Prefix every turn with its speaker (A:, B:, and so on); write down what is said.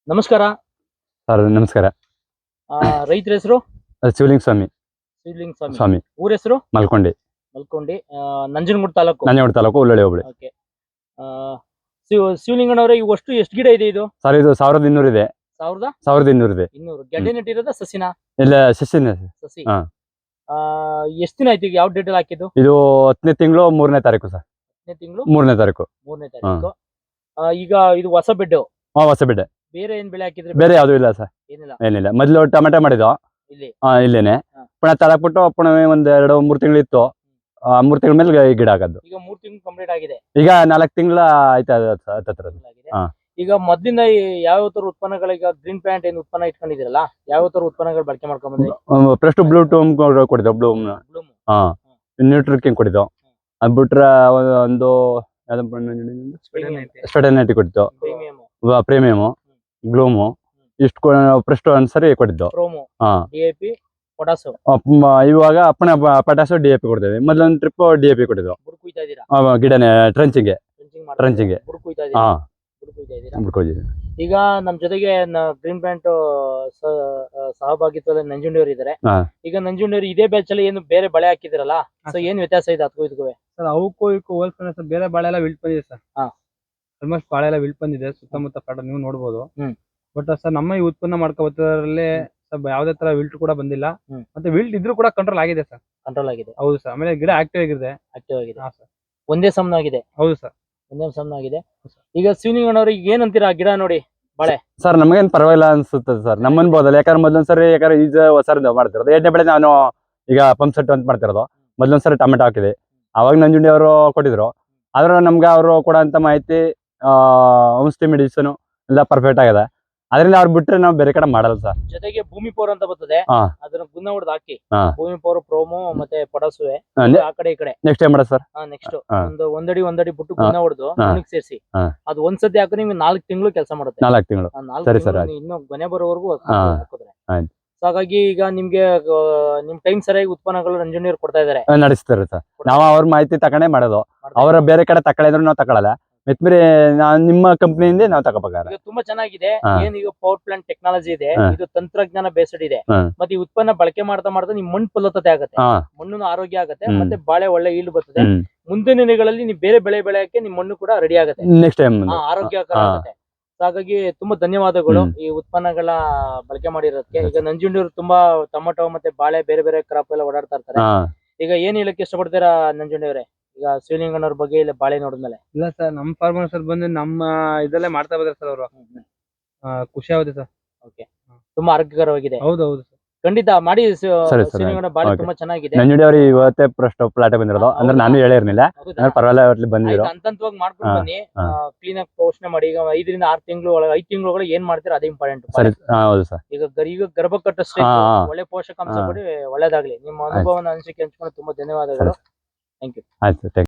A: ನಮಸ್ಕಾರ.
B: ಸರ್ ನಮಸ್ಕಾರ.
A: ರೈತರ ಹೆಸರು
B: ಶಿವಲಿಂಗ ಸ್ವಾಮಿ.
A: ಶಿವಲಿಂಗ ಸ್ವಾಮಿ.
B: ಸ್ವಾಮಿ
A: ಊರ ಹೆಸರು
B: ಮಲ್ಕೊಂಡಿ.
A: ಮಲ್ಕೊಂಡಿ. ನಂಜನಗೂಡು ತಾಲೂಕು.
B: ನಂಜನಗೂಡು ತಾಲೂಕು ಉಳ್ಳಳ್ಳಿ ಹೋಬಳಿ.
A: ಓಕೆ. ಶಿವಲಿಂಗಣ್ಣವ್ರೆ, ಇವು ಅಷ್ಟು ಎಷ್ಟು ಗಿಡ ಇದೆ ಇದು?
B: ಸರ್ ಇದು 1200 ಇದೆ. 1200 ಇದೆ.
A: 200 ಗೆಡ್ಡೆ ನೆಟ್ಟಿರೋದ ಸಸಿನ?
B: ಇಲ್ಲ ಸಸಿನ.
A: ಸಸಿ.
B: ಹಾ.
A: ಎಷ್ಟು ದಿನ ಆಯ್ತು? ಈಗ ಯಾವ ಡೇಟ್ ಅಲ್ಲಿ ಹಾಕಿದ್ದು?
B: ಇದು 10ನೇ ತಿಂಗಳು 3ನೇ ತಾರೀಕು ಸರ್.
A: 10ನೇ ತಿಂಗಳು
B: 3ನೇ ತಾರೀಕು.
A: 3ನೇ ತಾರೀಕು. ಈಗ ಇದು ಹೊಸ ಬೆಡ್.
B: ಹೊಸ ಬೆಡ್ಡೆ.
A: ಬೇರೆ ಏನ್ ಬೆಳೆ ಹಾಕಿದ್ರೆ?
B: ಬೇರೆ ಯಾವ್ದು ಇಲ್ಲ ಸರ್. ಏನಿಲ್ಲ. ಮೊದ್ಲು ಟೊಮೆಟೊ ಮಾಡಿದ್ವು
A: ಇಲ್ಲಿ.
B: ಇಲ್ಲೇನೆ. ಪುನಃ ತಳಕ್ಬಿಟ್ಟು ಪುನಃ ಒಂದ್ 2-3 ತಿಂಗಳು ಇತ್ತು. 3 ತಿಂಗಳ ಮೇಲೆ ಗಿಡ ಹಾಕದ್ದು.
A: ಈಗ 3 ತಿಂಗಳು ಕಂಪ್ಲೀಟ್ ಆಗಿದೆ.
B: ಈಗ 4 ತಿಂಗಳ ಆಯ್ತಾ ಹತ್ತತ್ರ.
A: ಈಗ ಮೊದ್ಲಿಂದ ಯಾವ ತರ ಉತ್ಪನ್ನಗಳು, ಈಗ ಗ್ರೀನ್ ಪ್ಲಾಂಟ್ ಏನ್ ಉತ್ಪನ್ನ ಇಟ್ಕೊಂಡಿದಿರಲ್ಲ, ಯಾವ ತರ ಉತ್ಪನ್ನಗಳು ಬಳಕೆ ಮಾಡ್ಕೊಂಡ್ ಬಂದ್ರಿ?
B: ಫಸ್ಟ್ ಬ್ಲೂ ಟೂಮ್ ಕೊಡಿದ್ವು. ಬ್ಲೂಮ್ ನ್ಯೂಟ್ರಿಕಿಂಗ್ ಕೊಡಿದ್ವು. ಅದ್ ಬಿಟ್ರೆ ಒಂದು ಸ್ಪೆಡನೈಟಿ ಕೊಟ್ಟಿದ್ದು. ಪ್ರೀಮಿಯಮ್, ಗ್ಲೂಮು, ಇಷ್ಟು ಫಸ್ಟ್ ಒಂದ್ಸರಿ ಕೊಟ್ಟಿದ್ದು.
A: DAP, potash.
B: ಇವಾಗ ಪಟಾಸು DAP ಕೊಡ್ತೇವೆ. ಮೊದಲೊಂದು ಟ್ರಿಪ್ DAP ಕೊಟ್ಟಿದ್ವು. ಗಿಡನೆ ಟ್ರಂಚಿಂಗ್.
A: ಈಗ ನಮ್ ಜೊತೆಗೆ ಗ್ರೀನ್ ಪ್ಲಾಂಟ್ ಸಹಭಾಗಿತ್ವದಲ್ಲಿ ನಂಜುಂಡಿಯವರು ಇದಾರೆ. ಈಗ ನಂಜುಂಡಿಯವರು ಇದೇ ಬ್ಯಾಚ್ ಅಲ್ಲಿ ಏನು ಬೇರೆ ಬೆಳೆ ಹಾಕಿದಿರಲ್ಲ, ಸೊ ಏನ್ ವ್ಯತ್ಯಾಸ ಇದೆ ಅದಕ್ಕೂ ಇದಕ್ಕೂ?
C: ಸರ್ ಅವಕ್ಕೂ ಇದಕ್ಕೂ ಹೋಲ್ಸ್ಕೊಂಡ್ರೆ ಸರ್ ಬೇರೆ ಬಾಳೆ ಎಲ್ಲ ವಿಲ್ಟ್ ಬಂದಿದೆ ಸರ್. ಆಲ್ಮೋಸ್ಟ್ ಬಾಳೆ ಎಲ್ಲ ವಿಲ್ಟ್ ಬಂದಿದೆ ಸುತ್ತಮುತ್ತ ಪಾಟ ನೀವು ನೋಡ್ಬೋದು. ಬಟ್ ಸರ್ ನಮ್ಮ ಈ ಉತ್ಪನ್ನ ಮಾಡ್ಕೋಬತ್ತರಲ್ಲಿ ಸರ್ ಯಾವುದೇ ತರ ವಿಲ್ಟ್ ಕೂಡ ಬಂದಿಲ್ಲ. ಮತ್ತೆ ವಿಲ್ಟ್ ಇದ್ರೂ ಕೂಡ ಕಂಟ್ರೋಲ್ ಆಗಿದೆ ಸರ್.
A: ಕಂಟ್ರೋಲ್ ಆಗಿದೆ.
C: ಹೌದು ಸರ್. ಆಮೇಲೆ ಗಿಡ ಆಕ್ಟಿವ್ ಆಗಿದೆ.
A: ಹಾ ಸರ್. ಒಂದೇ ಸಮನಾಗಿದೆ.
C: ಹೌದು ಸರ್.
A: ಒಂದೇ ಸಮನಾಗಿದೆ. ಈಗ ಶಿವಲಿಂಗಣ್ಣವ್ರಿಗೆ ಏನ್ ಅಂತೀರಾ ಗಿಡ ನೋಡಿ ಬಾಳೆ?
B: ಸರ್ ನಮಗೇನ್ ಪರವಾಗಿಲ್ಲ ಅನ್ಸುತ್ತೆ ಸರ್. ನಮ್ಮ ಅನ್ಬೋದಲ್ಲ. ಯಾಕಂದ್ರೆ ಮೊದಲೊಂದ್ಸರಿ ಈಗ ಹೊಸದು ಮಾಡ್ತಿರೋದು. 2ನೇ ಬೆಳೆ ನಾನು ಈಗ ಪಂಪ್ ಸೆಟ್ ಅಂತ ಮಾಡ್ತಿರೋದು. ಮೊದಲೊಂದ್ಸರಿ ಟೊಮೆಟೊ ಹಾಕಿದೆ. ಅವಾಗ ನಂಜುಂಡಿ ಅವರು ಕೊಟ್ಟಿದ್ರು. ಆದ್ರೆ ನಮ್ಗೆ ಅವರು ಕೊಡೋಂತ ಮಾಹಿತಿ ಔಷಧಿ ಮೆಡಿಸಿನ್ ಎಲ್ಲ ಪರ್ಫೆಕ್ಟ್ ಆಗಿದೆ. ಅದರಿಂದ ಅವ್ರು ಬಿಟ್ರೆ ನಾವು ಬೇರೆ ಕಡೆ ಮಾಡಲ್ಲ ಸರ್.
A: ಜೊತೆಗೆ ಭೂಮಿ ಪವರ್ ಅಂತ ಬರ್ತದೆ, ಅದನ್ನ ಗುನ್ನ ಹೊಡೆದು ಹಾಕಿ. ಭೂಮಿ ಪವರ್, ಪ್ರೋಮೋ ಮತ್ತೆ ಪೊಟಾಸುವೆ ಆ ಕಡೆ ಈ ಕಡೆ.
B: ನೆಕ್ಸ್ಟ್ ಏನ್ ಮಾಡೋದು ಸರ್?
A: ನೆಕ್ಸ್ಟ್ ಒಂದಡಿ ಬಿಟ್ಟು ಗುನ್ನ ಹೊಡೆದು ಮಣ್ಣಿಗೆ ಸೇರಿಸಿ ಅದು ಒಂದ್ಸತಿ ಹಾಕಿ ನಿಮ್ಗೆ 4 ತಿಂಗಳು ಕೆಲಸ ಮಾಡುತ್ತೆ.
B: 4 ತಿಂಗಳು. ಸರಿ ಸರ್.
A: ಇನ್ನು ಗೊನೆ ಬರೋವರೆಗೂ ಹಾಕಿದ್ರೆ. ಹಾಗಾಗಿ ಈಗ ನಿಮ್ಗೆ ನಿಮ್ ಟೈಮ್ ಸರಿಯಾಗಿ ಉತ್ಪನ್ನಗಳು ನಂಜುಂಡಿಯವರು ಕೊಡ್ತಾ ಇದಾರೆ,
B: ನಡೆಸ್ತಾರೆ ಸರ್. ನಾವು ಅವ್ರ ಮಾಹಿತಿ ತಕೊಂಡೇ ಮಾಡೋದು. ಅವರ ಬೇರೆ ಕಡೆ ತಕೊಳ್ಳಿದ್ರು ನಾವು ತಗೊಳಲ್ಲ. ಮೆತ್ಮೇಲೆ ನಿಮ್ಮ ಕಂಪನಿಯಿಂದ ನಾವು ತಗೋಬೇಕಾದ್ರೆ
A: ತುಂಬಾ ಚೆನ್ನಾಗಿದೆ. ಏನ್ ಈಗ ಪವರ್ ಪ್ಲಾಂಟ್ ಟೆಕ್ನಾಲಜಿ ಇದೆ, ಇದು ತಂತ್ರಜ್ಞಾನ ಬೇಸ್ಡ್ ಇದೆ. ಮತ್ತೆ ಈ ಉತ್ಪನ್ನ ಬಳಕೆ ಮಾಡ್ತಾ ನಿಮ್ ಮಣ್ಣು ಫಲವತ್ತತೆ ಆಗುತ್ತೆ, ಮಣ್ಣು ಆರೋಗ್ಯ ಆಗುತ್ತೆ, ಮತ್ತೆ ಬಾಳೆ ಒಳ್ಳೆ ಈಲ್ಡ್ ಬರ್ತದೆ. ಮುಂದಿನ ದಿನಗಳಲ್ಲಿ ನೀವು ಬೇರೆ ಬೆಳೆ ಬೆಳೆಯಕ್ಕೆ ನಿಮ್ ಮಣ್ಣು ಕೂಡ ರೆಡಿ ಆಗುತ್ತೆ,
B: ನೆಕ್ಸ್ಟ್ ಟೈಮ್
A: ಆರೋಗ್ಯಕರ ಆಗುತ್ತೆ. ಹಾಗಾಗಿ ತುಂಬಾ ಧನ್ಯವಾದಗಳು ಈ ಉತ್ಪನ್ನಗಳ ಬಳಕೆ ಮಾಡಿರೋದಕ್ಕೆ. ಈಗ ನಂಜುಂಡಿಯವರು ತುಂಬಾ ಟೊಮೆಟೊ ಮತ್ತೆ ಬಾಳೆ ಬೇರೆ ಬೇರೆ ಕ್ರಾಪ್ ಎಲ್ಲ ಓಡಾಡ್ತಾ ಇರ್ತಾರೆ. ಈಗ ಏನ್ ಹೇಳಕ್ಕೆ ಇಷ್ಟಪಡ್ತೀರಾ ನಂಜುಂಡಿಯವರೇ ಈಗ ಶಿವಲಿಂಗಣ್ಣವ್ರ ಬಗ್ಗೆ ಇಲ್ಲ ಬಾಳೆ ನೋಡಿದ್ಮೇಲೆ?
C: ಇಲ್ಲ ಸರ್, ನಮ್ಮ ಫಾರ್ಮರ್ ಸರ್ ಬಂದು ನಮ್ಮ ಇದರಲ್ಲೇ ಮಾಡ್ತಾ ಬಂದ್ರೆ ಸರ್ ಅವರು ಖುಷಿ ಆಗುತ್ತೆ ಸರ್.
A: ಓಕೆ, ತುಂಬಾ ಆರೋಗ್ಯಕರವಾಗಿದೆ.
C: ಹೌದು ಹೌದು ಸರ್,
A: ಖಂಡಿತ ಮಾಡಿ. ಶಿವಲಿಂಗಣ್ಣ ಬಾಳೆ ತುಂಬಾ ಚೆನ್ನಾಗಿದೆ.
B: ನಂಜುಂಡಿ ಅವರು ಇವತ್ತೇ ಫಸ್ಟ್ ಪ್ಲಾಟ್ ಬಂದಿರೋದು. ಅಂದ್ರೆ ನಾನು ಹೇಳಿರ್ಲಿಲ್ಲ, ಪರವಾಗಿಲ್ಲ ಬಂದಿರೋ
A: ಹಂತವಾಗಿ ಮಾಡ್ಕೊಂಡು ಬನ್ನಿ. ಕ್ಲೀನ್ ಆಗಿ ಪೋಷಣೆ ಮಾಡಿ. ಈಗ 5 ರಿಂದ 6 ತಿಂಗಳು ಒಳಗೆ 5 ತಿಂಗಳು ಏನ್ ಮಾಡ್ತೀರಾ ಅದೇ ಇಂಪಾರ್ಟೆಂಟ್.
B: ಹೌದು ಸರ್.
A: ಈಗ ಗರ್ಭ ಕಟ್ಟಷ್ಟೇ ಒಳ್ಳೆ ಪೋಷಕಾಂಶ ಕೊಡಿ. ಒಳ್ಳೇದಾಗ್ಲಿ. ನಿಮ್ಮ ಅನುಭವನ ಅನಿಸಿಕೆ ಹಂಚ್ಕೊಂಡು ತುಂಬಾ ಧನ್ಯವಾದಗಳು. Thank you.
B: ಆಯ್ತು.